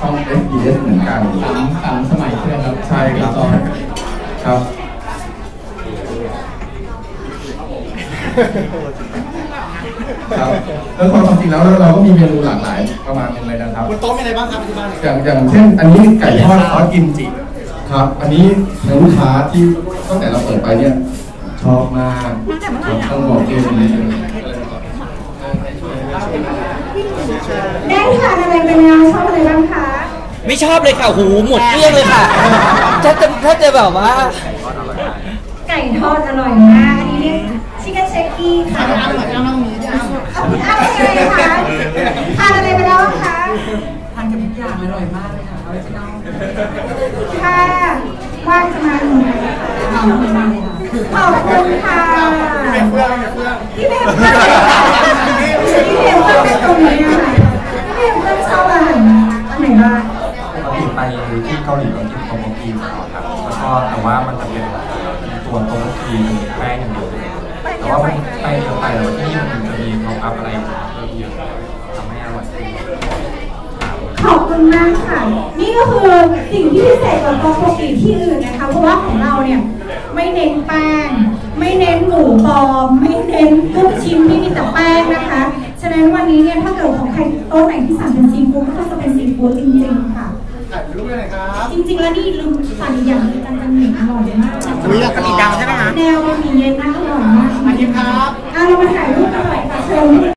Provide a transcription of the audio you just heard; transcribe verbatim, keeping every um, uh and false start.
ช่อง เอส บี เอส เหมือนกันสามสามสมัยใช่ไหมครับใช่ครับครับครับแล้วความจริงแล้วเราก็มีเมนูหลากหลายประมาณนึงเลยนะครับบนโต๊ะมีอะไรบ้างครับที่บ้านอย่างอย่างเช่นอันนี้ไก่ทอดซอสกิมจิครับอันนี้ทางลูกค้าที่ตั้งแต่เราเปิดไปเนี่ยชอบมากต้องบอกเกมนี้ได้ทานอะไรไปแล้วชอบอะไรบ้างคะไม่ชอบเลยค่ะหูหมดเกลี้ยงเลยค่ะถ้าจะถ้าจะแบบว่าไก่ทอดอร่อยมากอันนี้เรียกชิคเก้นเชคกี้ค่ะอ้ำหน่อยอ้ำนั่งนี้อ้ำเอาพี่อ้ำเป็นไงคะทานอะไรไปแล้วคะทานกับทุกอย่างอร่อยมากเลยค่ะออริจินอลค่ะว่างจะมาหนูไหนคะขอบคุณค่ะพี่เมย์เพื่อนพี่เมย์เพื่อนพี่เมย์เพื่อนพี่เมย์เพื่อนเป็นตรงนี้ค่ะพี่เมย์เพื่อนชอบอาหารอันไหนบ้างปกติไปที่เกาหลีเรากินโตโมกีครับแล้วก็แต่ว่ามันจะเป็นตัวโตโมกีมันแป้งอย่างเดียวแต่ว่ามันแป้งเยอะไปแล้วที่นี่มันจะมีท็อปอัพอะไรเพิ่มเยอะทำให้อร่อยขอบคุณมากค่ะนี่ก็คือสิ่งที่พิเศษกว่าโตโมกีที่อื่นนะคะเพราะว่าของเราเนี่ยไม่เน้นแป้งไม่เน้นหมูปลอมไม่เน้นลูกชิ้นที่มีแต่แป้งนะคะฉะนั้นวันนี้เนี่ยถ้าเกิดของใครโต๊ะไหนที่สั่งเป็นซีฟู้ดก็จะเป็นซีฟู้ดจริงๆค่ะถ่ายรูปเลยครับจริงๆแล้วนี่ลืมสั่งอีกอย่างนึงกันจังหมี่อร่อยมากอุ้ยอยากกินดาวใช่ไหมคะแนวบะหมี่เย็นน่าอร่อยมากมาทิพย์ครับอ่ะเรามาถ่ายรูปกันหน่อยค่ะเชิญ